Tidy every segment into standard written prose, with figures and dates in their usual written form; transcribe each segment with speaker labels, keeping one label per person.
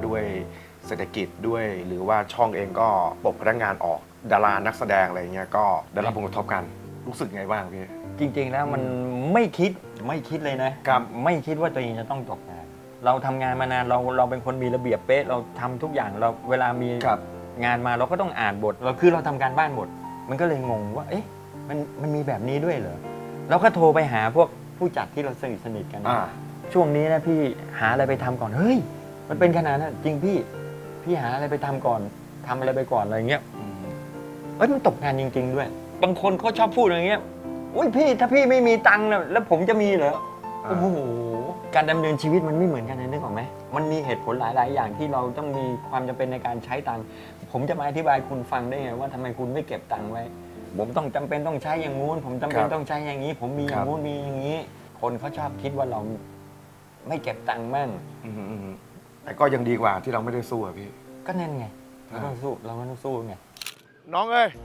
Speaker 1: ด้วยเศรษฐกิจด้วยหรือว่าช่องเองก็ปลดพนักงานออกดารานักแสดงอะไรเงี้ยก็ได้รับผลกระทบกันรู้สึกไงบ้างพี่
Speaker 2: จริงๆแล้วมันไม่คิดเลยนะครับ ไม่คิดว่าตัวเองจะต้องตกงาน เราทำงานมานานเราเป็นคนมีระเบียบเป๊ะเราทำทุกอย่างเราเวลามีงานมาเราก็ต้องอ่านบทเราทำการบ้านบทมันก็เลยงงว่าเอ๊ะมันมีแบบนี้ด้วยเหรอเราก็โทรไปหาพวกผู้จัดที่เราสนิทกันช่วงนี้นะพี่หาอะไรไปทำก่อนเฮ้ยมันเป็นขนาดนั้นจริงพี่หาอะไรไปทำก่อนทำอะไรไปก่อนอะไรเงี้ยมันตกงานจริงๆด้วยบางคนเขาชอบพูดอย่างเงี้ยอุ้ยพี่ถ้าพี่ไม่มีตังค์แล้วผมจะมีเหรอโอ้โหการดำเนินชีวิตมันไม่เหมือนกันนะนึกออกไหมมันมีเหตุผลหลายๆอย่างที่เราต้องมีความจำเป็นในการใช้ตังค์ผมจะมาอธิบายคุณฟังได้ไงว่าทำไมคุณไม่เก็บตังค์ไว้ผมต้องจำเป็นต้องใช้อย่างงู้นผมจำเป็นต้องใช้อย่างนี้ผมมีอย่างงู้นมีอย่างนี้คนเขาชอบคิดว่าเราไม่เก็บตังค์มั่ง
Speaker 1: แต่ก็ยังดีกว่าที่เราไม่ได้สู้อะพี่
Speaker 2: ก็นั่นไงเราต้องสู้ไง
Speaker 1: น้องเอ้ย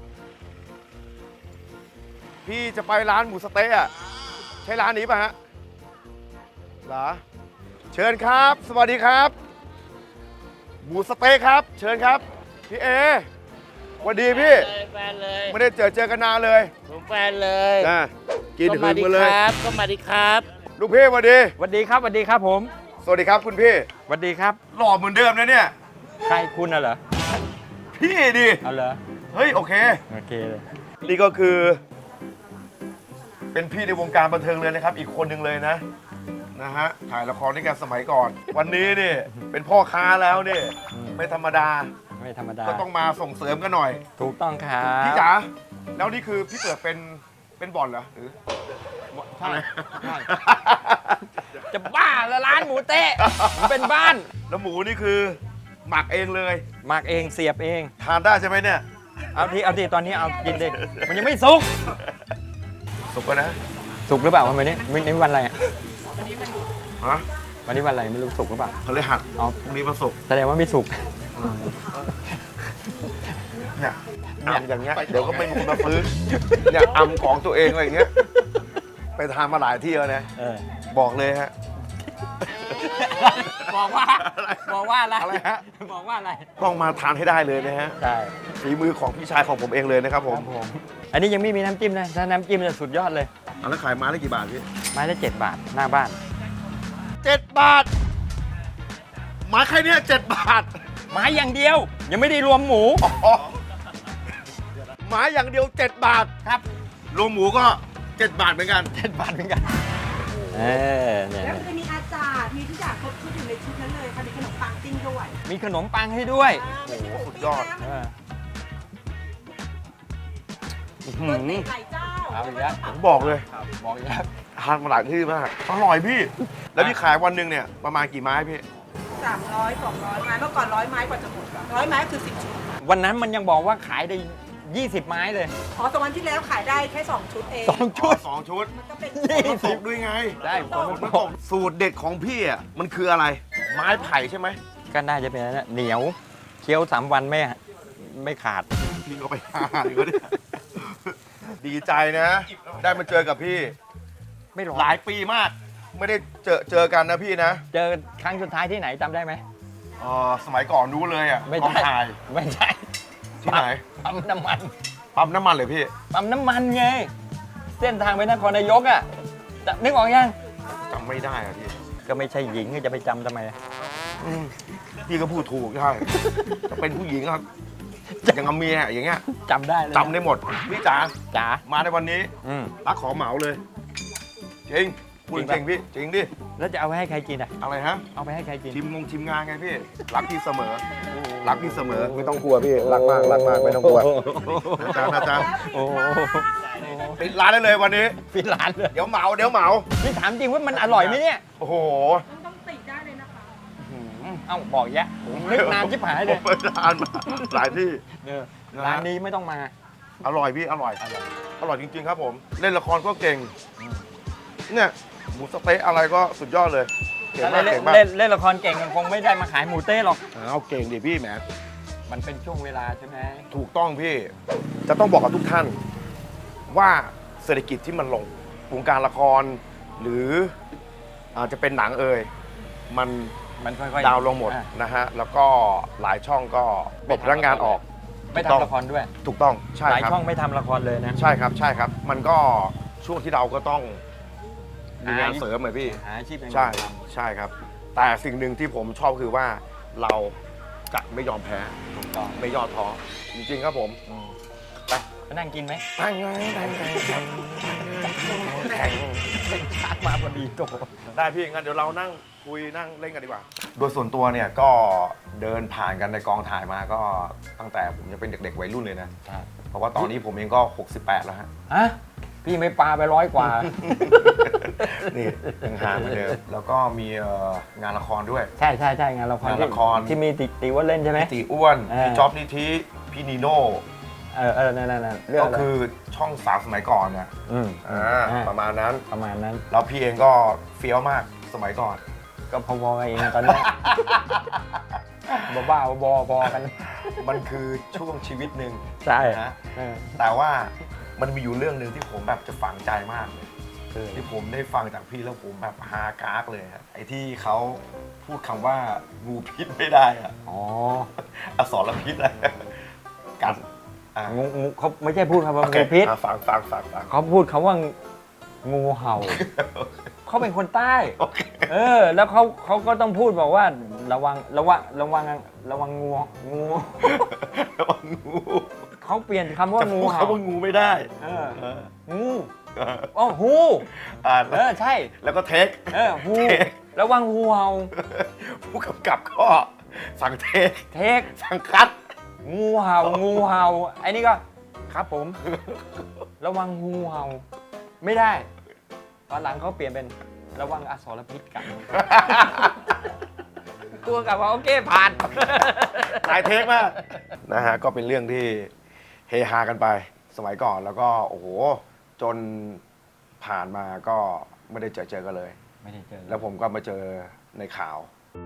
Speaker 1: พี่จะไปร้านหมูสะเต๊ะอะใช่ร้านนี้ป่ะฮะเหรอเชิญครับสวัสดีครับหมูสะเต๊ะครับเชิญครับพี่เอสวัสดีพี่
Speaker 3: แฟนเลย
Speaker 1: ไม่ได้เจอกันนานเลย
Speaker 3: ผมแฟนเลย
Speaker 1: กินถึงมาเลย
Speaker 3: ก็มาดีครับ
Speaker 1: ลูกพี่สวัสดี
Speaker 2: สวัสดีครับผม
Speaker 1: สวัสดีครับคุณพี่
Speaker 2: สวัสดีครับ
Speaker 1: หล่อเหมือนเดิมนะเนี่ย
Speaker 2: ใครคุณน่ะเหรอ
Speaker 1: พี่ดิ
Speaker 2: เอาเหรอ
Speaker 1: เฮ้ยโอเค
Speaker 2: เลย
Speaker 1: นี่ก็คือเป็นพี่ในวงการบันเทิงเลยนะครับอีกคนหนึ่งเลยนะฮะถ่ายละครด้วยกันสมัยก่อนวันนี้นี่เป็นพ่อค้าแล้วนี่ไม่ธรรมดาก็ต้องมาส่งเสริมกันหน่อย
Speaker 2: ถูกต้องครับ
Speaker 1: พี่จ๋าแล้วนี่คือพี่เปิดเป็นบ่อนเหรอหรือ
Speaker 2: ใช่จะบ้าละร้านหมูเต๊ะเป็นบ้าน
Speaker 1: แล้วหมูนี่คือหมักเองเลย
Speaker 2: หมักเองเสียบเอง
Speaker 1: ทานได้ใช่ไหมเนี่ย
Speaker 2: เอาทีตอนนี้เอากินดิมันยังไม่สุก
Speaker 1: แล้วนะ
Speaker 2: สุกหรือเปล่าวันนี้วันอะไร
Speaker 1: ฮะ
Speaker 2: วันนี้วันอะไรไม่รู้สุกหรือเปล่า
Speaker 1: พฤหัสพรุ่งนี้วันศุกร์
Speaker 2: แสดงว่าไม่สุก
Speaker 1: เนี่ยอย่างเงี้ยเดี๋ยวก็ไม่มีคนมาซื้อเนี่ยอำของตัวเองอะไรอย่างเงี้ยไปทานมาหลายที่แล้วนะบอกเลยฮะ
Speaker 2: บอกว่าอะไร
Speaker 1: บอกว่าอะไรต้องมาทานให้ได้เลยนะฮะ
Speaker 2: ใช่
Speaker 1: ฝีมือของพี่ชายของผมเองเลยนะครับผม
Speaker 2: อันนี้ยังไม่มีน้ำจิ้มนะถ้าน้ำจิ้มจะสุดยอดเลย
Speaker 1: แล้วขายไม้ละกี่บาทพี่
Speaker 2: ไม้ละ7 บาทหน้าบ้าน
Speaker 1: 7 บาทไม้แค่นี้7 บาท
Speaker 2: ไม้อย่างเดียวยังไม่ได้รวมหมู
Speaker 1: ไม้อย่างเดียว7 บาท
Speaker 2: ครับ
Speaker 1: รวมหมูก็7 บาทเหมือนกัน
Speaker 2: 7 บาทเหมือนกัน
Speaker 4: เนี่ยแล้วจะมีอาจารย์มีทุกอย่างครบชุดอยู่ในชุดนั้นเลยค่ะมีขนมปังติ้งด้วย
Speaker 2: มีขนมปังให้ด้วย
Speaker 1: โอ้โหสุดยอด
Speaker 4: หลายเจ้า
Speaker 1: ผมบอกเลย
Speaker 2: ทาน
Speaker 1: มาหลายที่มากอร่อยพี่แล้วพี่ขายวันหนึ่งเนี่ยประมาณกี่ไม้พี่
Speaker 4: 300 200 ไม้เมื่อก่อน100 ไม้กว่าจะหมด100 ไม้คือ10 ชุด
Speaker 2: วันนั้นมันยังบอกว่าขายได้20 ไม้เลย
Speaker 4: 2 วันที่แล้วขายได้แค่2 ชุดเอง
Speaker 2: 2 ชุด
Speaker 4: มันก็เป็น
Speaker 1: 20ด้วยไง
Speaker 2: ได้
Speaker 1: ผมบอกสูตรเด็ดของพี่อ่ะมันคืออะไรไม้ไผ่ใช่ไหม
Speaker 2: ก็น่าจะเป็นนั่นเหนียวเคี้ยว3 วันไม่ขาด
Speaker 1: พี่ก็ไป5ก็ได้ดีใจนะได้มาเจอกับพี่
Speaker 2: ไม่ห
Speaker 1: ลายปีมากไม่ได้เจอกันนะพี่นะ
Speaker 2: เจอครั้งสุดท้ายที่ไหนจำได้ไหม
Speaker 1: สมัยก่อนรู้เลยอ่ะ
Speaker 2: ไม่ใช่
Speaker 1: ที่ไหน
Speaker 2: ปั๊มน้ำ
Speaker 1: มันเลยพี่
Speaker 2: ปั๊มน้ำมันไงเส้นทางไปนครนายกอ่ะนึกออกยัง
Speaker 1: จำไม่ได้อ่ะพี่
Speaker 2: ก็ไม่ใช่หญิงจะไปจำทำไม
Speaker 1: พี่ก็พูดถูกใช่จะเป็นผู้หญิงครับอย่างกับเมียอย่างเงี้ย
Speaker 2: จำได้เลย
Speaker 1: จำได้หมดพี่จ๋ามาในวันนี้รักขอเหมาเลยจริงพูดจริงพี่จริงดิ
Speaker 2: แล้วจะเอาไปให้ใครกินอ่ะ
Speaker 1: อะไรฮะ
Speaker 2: เอาไปให้ใครกิน
Speaker 1: ชิมงานไงพี่รักพี่เสมอรักพี่เสมอไม่ต้องกลัวพี่รักมากไม่ต้องกลัวอาจารย์ปิดร้านได้เลยวันนี้
Speaker 2: ปิดร้านเลย
Speaker 1: เดี๋ยวเหมา
Speaker 2: นี่ถามจริงว่ามันอร่อยไหมเนี่ย
Speaker 1: โอ้โห
Speaker 4: ต้องติดได้เลยนะคะ
Speaker 2: เอ้าบอกแยะนึกนานชิบหายเลย
Speaker 1: เปิดร้านมาหลายที่
Speaker 2: ร้านนี้ไม่ต้องมา
Speaker 1: อร่อยพี่อร่อยจริงๆครับผมเล่นละครก็เก่งเนี่ยหมูสะเต๊ะอะไรก็สุดยอดเลย
Speaker 2: เก่งมากเล่นละครเก่งมันคงไม่ได้มาขายหมูเต้หรอก
Speaker 1: เอาเก่งดิพี่แหม
Speaker 2: มันเป็นช่วงเวลาใช่ไหม
Speaker 1: ถูกต้องพี่จะต้องบอกกับทุกท่านว่าเศรษฐกิจที่มันลงวงการละครหรืออาจจะเป็นหนังมัน
Speaker 2: มันค่อยๆ
Speaker 1: ดาวน์ลงหมด
Speaker 2: อ่ะ
Speaker 1: นะฮะแล้วก็หลายช่องก็ปลดพนักงานออก
Speaker 2: ไม่
Speaker 1: ถูกต้อง
Speaker 2: ทำละครด้วย
Speaker 1: ถูกต้องใช่
Speaker 2: หลาย
Speaker 1: ครับ
Speaker 2: ช่องไม่ทำละครเลยนะ
Speaker 1: ใช่ครับใช่ครับ มันก็ช่วงที่เราก็ต้องมีงาน
Speaker 2: หา
Speaker 1: เสริมเหมือนพี่
Speaker 2: หาอาชีพอย่าง
Speaker 1: ใช่
Speaker 2: อื่นท
Speaker 1: ใช่ครับ แต่สิ่งหนึ่งที่ผมชอบคือว่าเราจะไม่ยอมแพ้
Speaker 2: ำถูกต้อง
Speaker 1: ไม่ย่อท้อจริงๆครับผม
Speaker 2: ไปไปนั่งกินไหม
Speaker 1: ตั้งไงตั้งไงแข่ง
Speaker 2: เป็นชาติมาพอดีโต
Speaker 1: ได้พี่งั้นเดี๋ยวเรานั่งคุยนั่งเล่นกันดีกว่า โดยส่วนตัวเนี่ยก็เดินผ่านกันในกองถ่ายมาก็ตั้งแต่ผมยังเป็นเด็กๆวัยรุ่นเลยนะ
Speaker 2: ใช่
Speaker 1: เพราะว่าตอนนี้ผมเองก็68แล้วฮะ
Speaker 2: ฮะพี่ไม่ปลาไป100 กว่า
Speaker 1: นี่ยังหาเหมือนเดิมแล้วก็มีงานละครด้วย
Speaker 2: ใช่ใช่ใช่งานละคร
Speaker 1: งานละคร
Speaker 2: ที่มีติว่าเล่นใช่ไหม
Speaker 1: ตีอ้วน
Speaker 2: เออ
Speaker 1: พี่จ๊อบนิธิพี่นีโน่
Speaker 2: นั่นเรื่อง
Speaker 1: ก็
Speaker 2: อะไร
Speaker 1: คือช่องสามสมัยก่อนเนี่ย
Speaker 2: ม
Speaker 1: ประมาณนั้น
Speaker 2: ประมาณนั้น
Speaker 1: แล้วพี่เองก็เฟี้ยวมากสมัยก่อน
Speaker 2: ก็พอๆกันเองตอนนี้ บ้าๆบอๆพอกัน
Speaker 1: มันคือช่วงชีวิตหนึ่ง
Speaker 2: ใช่
Speaker 1: นะ
Speaker 2: เออ
Speaker 1: แต่ว่ามันมีอยู่เรื่องหนึ่งที่ผมแบบจะฝังใจมากเลย
Speaker 2: คือ
Speaker 1: ที่ผมได้ฟังจากพี่แล้วผมแบบฮากากเลยครับไอ้ที่เขาพูดคำว่างูพิษไม่ได้อะ
Speaker 2: อ๋อ
Speaker 1: อสรพิษอะไรกัดอ่ะ
Speaker 2: งูเขาไม่ใช่พูดคำว่า
Speaker 1: โอเค
Speaker 2: งูพิษ
Speaker 1: อ่ะฟัง
Speaker 2: เขาพูดคำว่างูเห่า เขาเป็นคนใต้
Speaker 1: โอเค
Speaker 2: แล้วเขาก็ต้องพูดบอกว่าระวังงู
Speaker 1: ระวังงู
Speaker 2: เขาเปลี่ยนคำว่า
Speaker 1: จะ
Speaker 2: งู
Speaker 1: พูด
Speaker 2: เห่า
Speaker 1: คำว่างูไม่ได้
Speaker 2: เออ
Speaker 1: เออ
Speaker 2: งูอ๋อฮู
Speaker 1: อ่าน
Speaker 2: ใช่
Speaker 1: แล้วก็เทค
Speaker 2: ฮูระวังงูเห่า
Speaker 1: ผู้กำกับก็สั่งเทค
Speaker 2: เทค
Speaker 1: สั่งคัด
Speaker 2: งูเห่าไอ้นี่ก็ครับผม ระวังงูเห่าไม่ได้ตอนหลังเขาเปลี่ยนเป็นระวังอสรพิษกัด ตัวกับว่าโอเคผ่าน
Speaker 1: หลายเทคมากนะฮะก็เป็นเรื่องที่เฮฮากันไปสมัยก่อนแล้วก็โอ้โหจนผ่านมาก็ไม่ได้เจอกันเลย
Speaker 2: ไม่ได้เจอ
Speaker 1: แล้วผมก็มาเจอในข่าว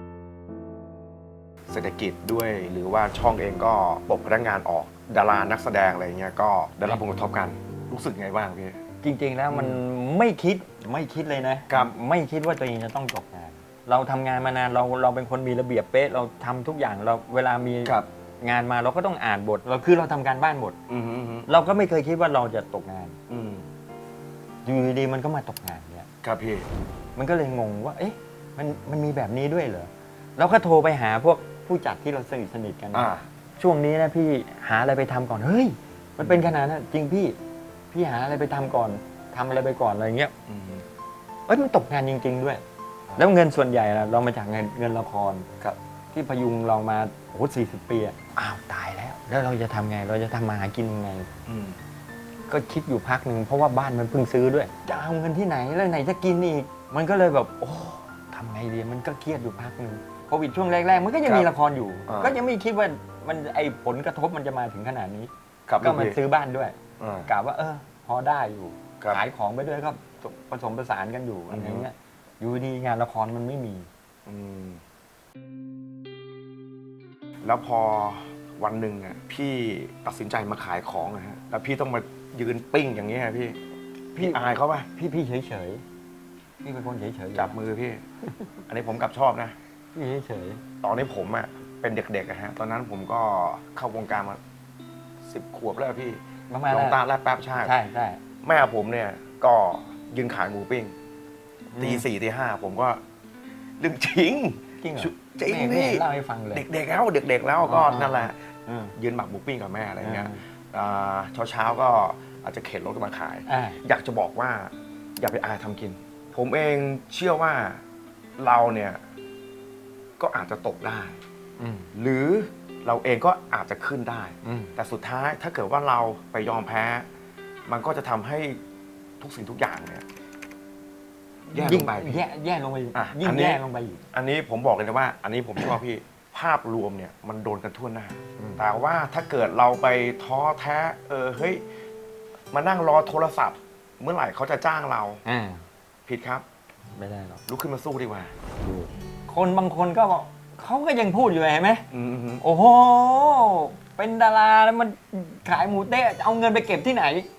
Speaker 1: เศรษฐกิจด้วยหรือว่าช่องเองก็ปลดพนักงานออกดารานักแสดงอะไรเงี้ยก็ได้รับผลกระทบกันรู้สึกไงบ้างพี่
Speaker 2: จริงๆแล้วมันไม่คิดเลยนะครับ ไม่คิดว่าตัวเองจะต้องตกงาน เราทำงานมานานเราเป็นคนมีระเบียบเป๊ะเราทำทุกอย่างเราเวลามีงานมาเราก็ต้องอ่านบทเราทำการบ้านบท
Speaker 1: อืม
Speaker 2: เราก็ไม่เคยคิดว่าเราจะตกงาน
Speaker 1: อืม
Speaker 2: อยู่ดีๆมันก็มาตกงานเนี่ย
Speaker 1: ครับพี่
Speaker 2: มันก็เลยงงว่า เอ๊ะ มันมีแบบนี้ด้วยเหรอ เราก็โทรไปหาพวกผู้จัดที่เราสนิทกัน ช่วงนี้นะพี่หาอะไรไปทำก่อน เฮ้ย มันเป็นขนาดนั้นจริงพี่หาอะไรไปทำก่อนทำอะไรไปก่อนอะไรเงี้ย
Speaker 1: อืม
Speaker 2: มันตกงานจริง ๆ ด้วย แล้วเงินส่วนใหญ่ล่ะเรามาจากเงินละคร
Speaker 1: ครับ
Speaker 2: ที่พยุงเรามาโอ้40 ปีอะอ้าวตายแล้ว แล้วเราจะทำไง เราจะทำมาหากินยังไง
Speaker 1: อืม
Speaker 2: ก็คิดอยู่พักหนึ่งเพราะว่าบ้านมันเพิ่งซื้อด้วย จะเอาเงินที่ไหนแล้วไหนจะกินอีก มันก็เลยแบบโอ้ทำไงดีมันก็เครียดอยู่พักหนึ่งโควิดช่วงแรกๆมันก็ยังมีละครอยู่ ก็ยังไม่คิดว่ามันไอผลกระทบมันจะมาถึงขนาดนี้
Speaker 1: ครับ
Speaker 2: ก็มาซื้อบ้านด้วย
Speaker 1: อ่า
Speaker 2: กะว่าพอได้อยู่
Speaker 1: ครับ
Speaker 2: ขายของไปด้วยก็ผสมผสานกันอยู่อะไรเงี้ยอยู่ดีงานละครมันไม่มี
Speaker 1: อืมแล้วพอวันหนึ่งอ่ะพี่ตัดสินใจมาขายของนะฮะแล้วพี่ต้องมายืนปิ้งอย่างนี้ยพี่อายเขาป่ะ
Speaker 2: พี่เฉยๆพี่เป็นคนเฉยๆ
Speaker 1: จับมือพี่ อันนี้ผมกลับชอบนะ
Speaker 2: พี่เฉย
Speaker 1: ตอนนี้ผมอ่ะเป็นเด็กๆอะฮะตอนนั้นผมก็เข้าวงการมา10 ขวบแล้วพี่
Speaker 2: ๆประมาณ
Speaker 1: ล
Speaker 2: นั้
Speaker 1: อง
Speaker 2: น
Speaker 1: ตาแลบแป๊บชาติ
Speaker 2: ใช่
Speaker 1: แม่ผมเนี่ยก็ยืนขายหมูปิ้งตี 4ตี 5ผมก็เรื่องจริง
Speaker 2: จริงเหรอ
Speaker 1: จริง
Speaker 2: ไม่
Speaker 1: พี่
Speaker 2: เห็นเล่าให้ฟังเลย
Speaker 1: เด็กๆแล้วก็
Speaker 2: อ๋อ
Speaker 1: นั่นแหละ
Speaker 2: อืม
Speaker 1: ยืนหมักหมูปิ้งกับแม่อะไรเงี้ยเช้าก็อาจจะเข็นรถมาขาย อยากจะบอกว่าอย่าไปอายทำกิน ผมเองเชื่อว่าเราเนี่ยก็อาจจะตกได้
Speaker 2: อืม
Speaker 1: หรือเราเองก็อาจจะขึ้นได้
Speaker 2: อืม
Speaker 1: แต่สุดท้ายถ้าเกิดว่าเราไปยอมแพ้ มันก็จะทำให้ทุกสิ่งทุกอย่างเนี่ยแย่ลงไป
Speaker 2: แย่ลงไป
Speaker 1: อ่ะ
Speaker 2: ยิ่
Speaker 1: อั
Speaker 2: ง
Speaker 1: นนี้
Speaker 2: แย่ลงไปอีก
Speaker 1: อันนี้ผมบอกเลยนะว่า อันนี้ผมชอบพี่ ภาพรวมเนี่ยมันโดนกันทั่วหน้า
Speaker 2: อืม
Speaker 1: แต่ว่าถ้าเกิดเราไปท้อแท้เฮ้ยมานั่งรอโทรศัพท์ เมื่อไหร่เขาจะจ้างเรา ผิดครับ
Speaker 2: ไม่ได้หรอก
Speaker 1: ลุกขึ้นมาสู้ดีกว่า
Speaker 2: คนบางคนก็บอกเขาก็ยังพูดอยู่เห็นไหม
Speaker 1: อืม
Speaker 2: โอ้โห เป็นดาราแล้วมันขายหมูเต๊ะเอาเงินไปเก็บที่ไหน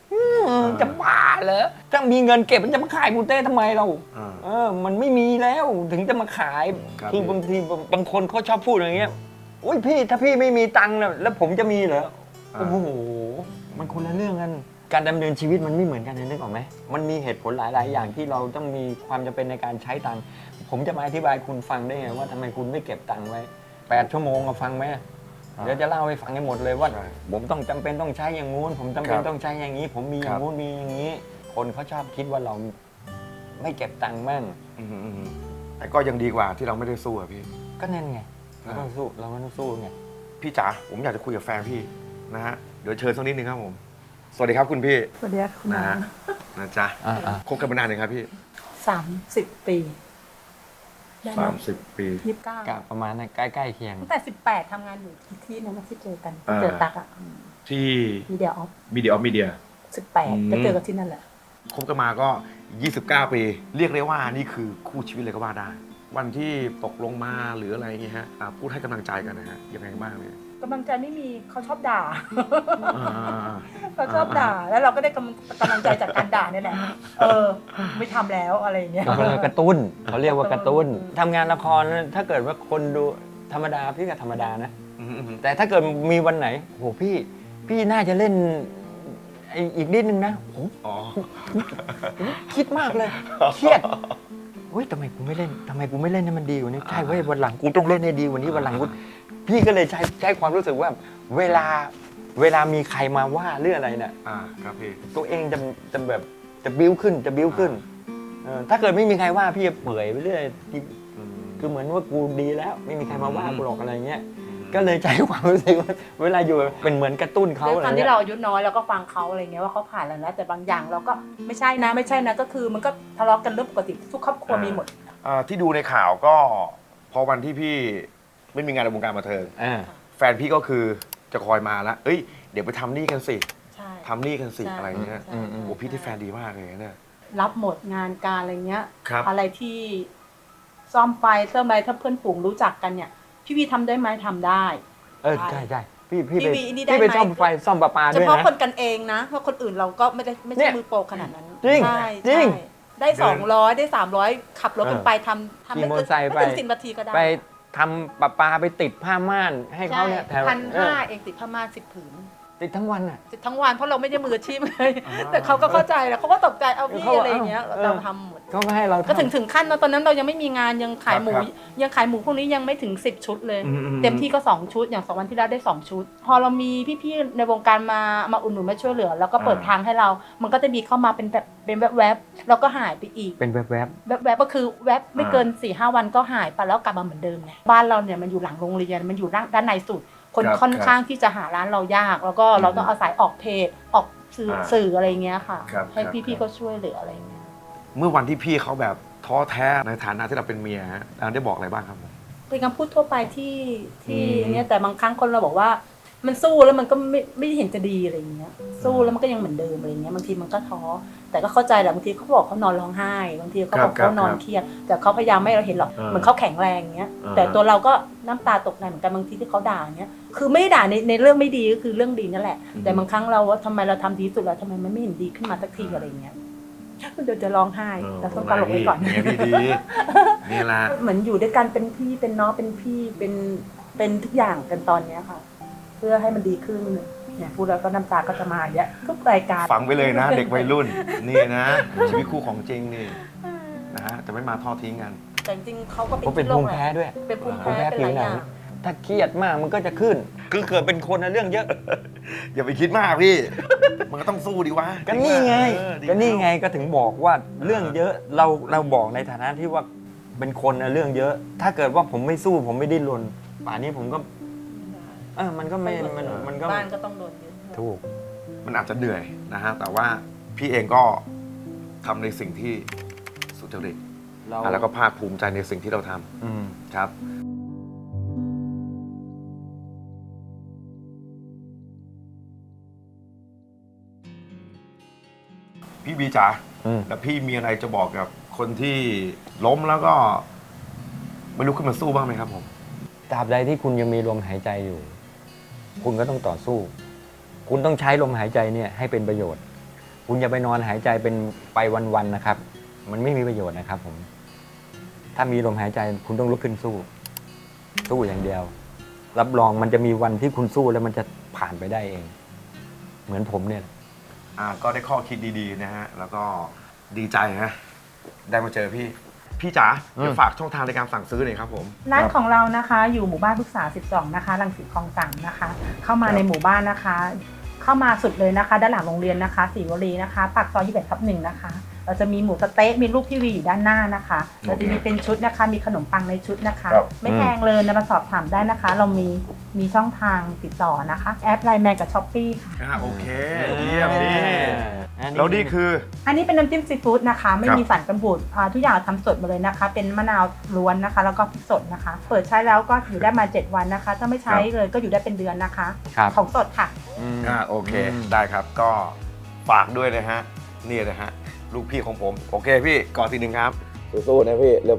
Speaker 2: จะบ้าเหรอถ้ามีเงินเก็บมันจะมาขายหมูเต้ทำไมเรา มันไม่มีแล้วถึงจะมาขาย
Speaker 1: ครับ
Speaker 2: คือบางทีบางคนเขาชอบพูดอย่างเงี้ยอุ้ยพี่ถ้าพี่ไม่มีตังค์แล้วผมจะมีเหรอโอ้โหมันคนละเรื่องกันการดำเนินชีวิตมันไม่เหมือนกันนึกออกไหมมันมีเหตุผลหลาย ๆ อย่างที่เราต้องมีความจำเป็นในการใช้ตังค์ผมจะมาอธิบายคุณฟังได้ไงว่าทำไมคุณไม่เก็บตังค์ไว้8 ชั่วโมงฟังไหมเดี๋ยวจะเล่าให้ฟังให้หมดเลยว่า
Speaker 1: ใช่
Speaker 2: ผมต้องจำเป็นต้องใช้อย่างงู้นผมจำเป็น
Speaker 1: ครับ
Speaker 2: ต้องใช้อย่างนี้ ผมมีอย่างงู้นมีอย่างนี้ คนเขาชอบคิดว่าเราไม่เก็บตังค์มั่ง
Speaker 1: แต่ก็ยังดีกว่าที่เราไม่ได้สู้อะพี่
Speaker 2: ก็นั่นไงเราต้องสู้เราก็ต้องสู้ไง
Speaker 1: พี่จ๋าผมอยากจะคุยกับแฟนพี่นะฮะเดี๋ยวเชิญสักนิดนึงครับผม สวัสดีครับคุณพี่
Speaker 4: สวัสดีค่ะคุณ
Speaker 1: นะ
Speaker 4: น้า
Speaker 1: ฮะนะจ๊ะ คบกันมานานยังครับพี่
Speaker 4: 30 ปีได้ไหม
Speaker 1: 30 ปี
Speaker 2: กะประมาณนั้นใกล้ๆเคียง
Speaker 4: ตั้งแต่18ทำงานอยู่ที่นั่นนะที่เจอกัน
Speaker 1: อ่า
Speaker 4: เจอตักอ่ะ
Speaker 1: ที่
Speaker 4: มีเดียออฟ
Speaker 1: มีเดียออฟมีเดีย
Speaker 4: 18ก็เจอกันที่นั่นแหละ
Speaker 1: คบกันมาก็ 29 ปี เรียกได้ว่านี่คือคู่ชีวิตเลยก็ว่าได้ วันที่ตกลงมาหรืออะไรอย่างเงี้ยฮะพูดให้กำลังใจกันนะฮะยังไงบ้างเนี่ย
Speaker 4: กำลังใจไม่มีเขาชอบด่า
Speaker 1: อ่า
Speaker 4: เขาชอบด่าแล้วเราก็ได้กำลังใจจากการด่าเนี่ยแหละไม่ทำแล้วอะไรอย่างเงี้ย
Speaker 2: กระตุ้นเขาเรียกว่ากระตุ้นทำงานละครถ้าเกิดว่าคนดูธรรมดาพี่ก็ธรรมดานะ
Speaker 1: อืม
Speaker 2: แต่ถ้าเกิดมีวันไหนโหพี่น่าจะเล่นอีกนิดนึงนะโห
Speaker 1: อ๋อ
Speaker 2: คิดมากเลยเครียดเฮ้ยทำไมกูไม่เล่นให้มันดีกว่านี้ใช่เว้ยวันหลังกูต้องเล่นให้ดีกว่านี้วันหลังกูพี่ก็เลยใช้ความรู้สึกว่าเวลามีใครมาว่าเรื่องอะไรเนี่ย
Speaker 1: ครับพี่
Speaker 2: ตัวเองจะแบบจะบิ้วขึ้นถ้าเกิดไม่มีใครว่าพี่จะเปื่อยไปเรื่อยคือเหมือนว่ากูดีแล้วไม่มีใครมาว่ากูหรอกอะไรเงี้ยก็เลยใช้ความรู้สึกว่าเวลาอยู่เป็นเหมือนกระตุ้นเขา
Speaker 4: ด้วย
Speaker 2: อะไร
Speaker 4: ความ
Speaker 2: เงี้
Speaker 4: ที่
Speaker 2: ย
Speaker 4: เราอายุน้อยเราก็ฟังเขาอะไรเงี้ยว่าเขาผ่านแล้วนะแต่บางอย่างเราก็ไม่ใช่นะก็คือมันก็ทะเลาะกันเรื่องปกติทุกครอบครัวมีหมด
Speaker 1: ที่ดูในข่าวก็ พอวันที่พี่ไม่มีงานในวงการบันเทิง แฟนพี่ก็คือจะคอยมาแล้วเอ้ยเดี๋ยวไปทำนี่กันสิ
Speaker 4: ใช่
Speaker 1: ทำนี่กันสิ
Speaker 4: ใช่
Speaker 1: อะไรเงี้ย
Speaker 4: ใช่
Speaker 1: โอ้พี่ที่แฟนดีมากเลยเนี่ย
Speaker 4: รับหมดงานการอะไรเงี้ย
Speaker 1: ครับ
Speaker 4: อะไรที่ซ่อมไฟเติมอะไรถ้าเพื่อนฝูงรู้จักกันเนี่ยพี่วีทำได้ไหมทำได้
Speaker 2: ใช่พี่
Speaker 4: พี่
Speaker 2: ไป
Speaker 4: วีนี่ได้
Speaker 2: พี่ไป
Speaker 4: ไหม
Speaker 2: ซ่อมไฟซ่อมประปา
Speaker 4: เฉ
Speaker 2: ด้วย
Speaker 4: พาะ
Speaker 2: นะ
Speaker 4: คนกันเองนะเพราะคนอื่นเราก็ไม่
Speaker 2: เนี่
Speaker 4: ใช่
Speaker 2: ย
Speaker 4: มือโปรขนาดนั้น
Speaker 2: จริง
Speaker 4: ใช่
Speaker 2: จริง
Speaker 4: ใช่ได้200ได้300ขับรถกันไปทำ
Speaker 2: ขี่
Speaker 4: ไม่
Speaker 2: มอเตอร์ไซค์
Speaker 4: ไม่ถึง
Speaker 2: ไป
Speaker 4: 10 นาทีก็ได้
Speaker 2: ไปทำประปาไปติดผ้าม่านให้เขาเนี่ยแถว
Speaker 4: 1,500เองติดผ้าม่าน10 ผืน
Speaker 2: ติดทั้งวันอ่ะ
Speaker 4: ติดทั้งวันเพราะเราไม่ได้มืออาชีพเลยแต่เขาก็เข้าใจแล้วเขาก็ตกใจเอาพี่
Speaker 2: เขา
Speaker 4: อะไรอย่างเงี้ย
Speaker 2: เออ
Speaker 4: เราทำหมด
Speaker 2: ก็ไม่ให้เรา
Speaker 4: ก็
Speaker 2: ทำ
Speaker 4: ถึงขั้นนะตอนนั้นเรายังไม่มีงานยังขายหมู
Speaker 1: ครับ
Speaker 4: ยังขายหมูพวกนี้ยังไม่ถึง10 ชุดเลย
Speaker 1: อืม
Speaker 4: เต็มที่ก็2 ชุดอย่าง2 วันที่แล้วได้2 ชุด พอเรามีพี่ๆในวงการมาอุดหนุนมาช่วยเหลือ แล้วก็เปิดทางให้เรา มันก็จะมีเข้ามาเป็นแบบเป็นแวบๆแล้วก็หายไปอีก
Speaker 2: เป็นแวบ
Speaker 4: แวบๆก็คือแวบไม่เกิน 4-5 วันก็หายไปแล้วกลับมาเหมือนเดิมไงบ้านเราเนี่ยมันอยู่หลังโรงเรียนมันอยู่ด้านในสุด คน
Speaker 1: ครับ
Speaker 4: ค่อนข้างที่จะหาร้านเรายาก แล้วก็เราต้องอาศัยออกเพจออกสื่ออะไรเงี้ยค่ะ
Speaker 1: ครับ
Speaker 4: ให้
Speaker 1: ครับ
Speaker 4: พี่ๆก็ช่วยเหลืออะไรเงี้ย
Speaker 1: เมื่อวันที่พี่เขาแบบท้อแท้ในฐานะที่เราเป็นเมียฮะได้บอกอะไรบ้างครับผม
Speaker 4: เป็นคำพูดทั่วไปที่
Speaker 1: อืม
Speaker 4: เนี่ยแต่บางครั้งคนเราบอกว่า มันสู้แล้วมันก็ไม่เห็นจะดีอะไรอย่างเงี้ยสู้แล้วมันก็ยังเหมือนเดิมอะไรเงี้ยบางทีมันก็ท้อแต่ก็เข้าใจแหละบางทีเขาบอกเขานอนร้องไห้บางทีเขาบอกเขานอนเครียดแต่เขาพยายามไม่ให้เราเห็นหรอกเหมือนเขาแข็งแรงอย่างเงี้ยแต่ตัวเราก็น้ำตาตกในเหมือนกันบางทีที่เขาด่าอย่างเงี้ยคือไม่ได้ด่าในเรื่องไม่ดีก็คือเรื่องดีนั่นแหละแต่บางครั้งเราว่าทำไมเราทำดีสุดแล้วทำไมมันไม่เห็นดีขึ้นมาสักทีอะไรเงี้ยเดี๋ยวจะร้องไห้เราต้องตลกไว้ก่อน
Speaker 1: เมียพี่ดีนี่แหละ
Speaker 4: เหมือนอยู่ด้วยกันเป็นพี่เป็นน้องเป็นพี่เป็นทุกอย่างกันตอนเนี้ยค่ะ เพื่อให้มันดีขึ้นเนี่ยพูดแล้วก็น้ำตาก็จะมาอย่างเงี้ยทุกรายการ
Speaker 1: ฝังไปเลยนะ เด็กวัยรุ่นนี่นะชีวิตคู่ของจริงนี่นะฮะจะไม่มาทอดทิ้งกัน
Speaker 4: แต่จริงๆเขาก็
Speaker 2: เขาเป็น
Speaker 4: โร
Speaker 2: ภู
Speaker 4: ค
Speaker 2: มิ
Speaker 4: แห
Speaker 2: แพ้
Speaker 4: ละ
Speaker 2: ด้วย
Speaker 4: เป็นภูมิ
Speaker 2: ภูมิ
Speaker 4: แพ้
Speaker 2: แพ้
Speaker 4: เป็น
Speaker 2: ผิ
Speaker 4: ห
Speaker 2: ว
Speaker 4: ลาย
Speaker 2: หนั
Speaker 4: อง ย่าง
Speaker 2: ถ้าเครียดมากมันก็จะขึ้น คือเกิดเป็นคนนะเรื่องเยอะ
Speaker 1: อย่าไปคิดมากพี่ มันก็ต้องสู้ดีวะ
Speaker 2: ก็นี่ไง
Speaker 1: ดี
Speaker 2: ก็นี่ไงก็ถึงบอกว่าเรื่องเยอะเราบอกในฐานะที่ว่าเป็นคนนะเรื่องเยอะ ถ้าเกิดว่าผมไม่สู้ผมไม่ดิ้นรนป่านนี้ผมก็มันก็ไม่มันก็
Speaker 4: บ้านก็ต้องโดนยึด
Speaker 2: ถูก
Speaker 1: มันอาจจะเหนื่อยนะฮะแต่ว่าพี่เองก็ทำในสิ่งที่สุจริตแล้วก็ภาคภูมิใจในสิ่งที่เราทำครับ พี่บีจ๋าแล้วพี่มีอะไรจะบอกกับคนที่ล้มแล้วก็ไม่ลุกขึ้นมาสู้บ้างไหมครับผม
Speaker 2: ตราบใดที่คุณยังมีลมหายใจอยู่ คุณก็ต้องต่อสู้ คุณต้องใช้ลมหายใจเนี่ยให้เป็นประโยชน์คุณอย่าไปนอนหายใจเป็นไปวันๆนะครับ มันไม่มีประโยชน์นะครับผม ถ้ามีลมหายใจคุณต้องลุกขึ้นสู้อย่างเดียว รับรองมันจะมีวันที่คุณสู้แล้วมันจะผ่านไปได้เอง เหมือนผมเนี่ย
Speaker 1: ก็ได้ข้อคิดดีๆนะฮะ แล้วก็ดีใจนะได้มาเจอพี่จ๋าเดี๋ยวฝากช่องทางในการสั่งซื้อหน่อยครับผม
Speaker 4: ร้านของเรานะคะอยู่หมู่บ้านพฤกษา 12 นะคะรังสิตคลอง3นะคะ เข้ามาในหมู่บ้านนะคะ เข้ามาสุดเลยนะคะ ด้านหลังโรงเรียนนะคะศรีวลีนะคะปากซอย21/1นะคะ เราจะมีหมูสะเต๊ะมีรูปพี่วีอยู่ด้านหน้านะคะเราจะมีเป็นชุดนะคะ มีขนมปังในชุดนะคะ
Speaker 1: ครับ
Speaker 4: ไม่แพงเลยนะมาสอบถามได้นะคะ เรามีช่องทางติดต่อนะคะ แอปไลน์แมนกับช้อปปี้ค่ะ
Speaker 1: โอเคเยี่ยมดี
Speaker 2: อันนี้
Speaker 1: แล้วนี่คือ
Speaker 4: อันนี้เป็นน้ำจิ้มซีฟู้ดนะคะ ไม่
Speaker 1: ครับ
Speaker 4: มีสารกันบูดทุกอย่างทำสดหมดเลยนะคะ เป็นมะนาวล้วนนะคะ แล้วก็พริกสดนะคะ เปิดใช้แล้วก็อยู่ได้มา 7 วันนะคะ ถ้าไม่ใช้เลยก็อยู่ได้เป็นเดือนนะคะ
Speaker 2: ครับ
Speaker 4: ของสดค่ะ
Speaker 1: โอเค ได้ครับก็ฝากด้วยนะฮะนี่นะฮะลูกพี่ของผม โอเคพี่ก่อนทีหนึ่งครับสู้ๆนะพี่เลิฟ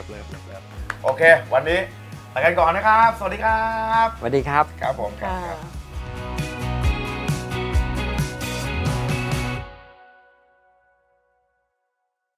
Speaker 1: โอเค วันนี้ไปกันก่อนนะครับ สวัสดีครับ
Speaker 2: สวัสดีครับ
Speaker 1: ครับผม
Speaker 4: ค่ะ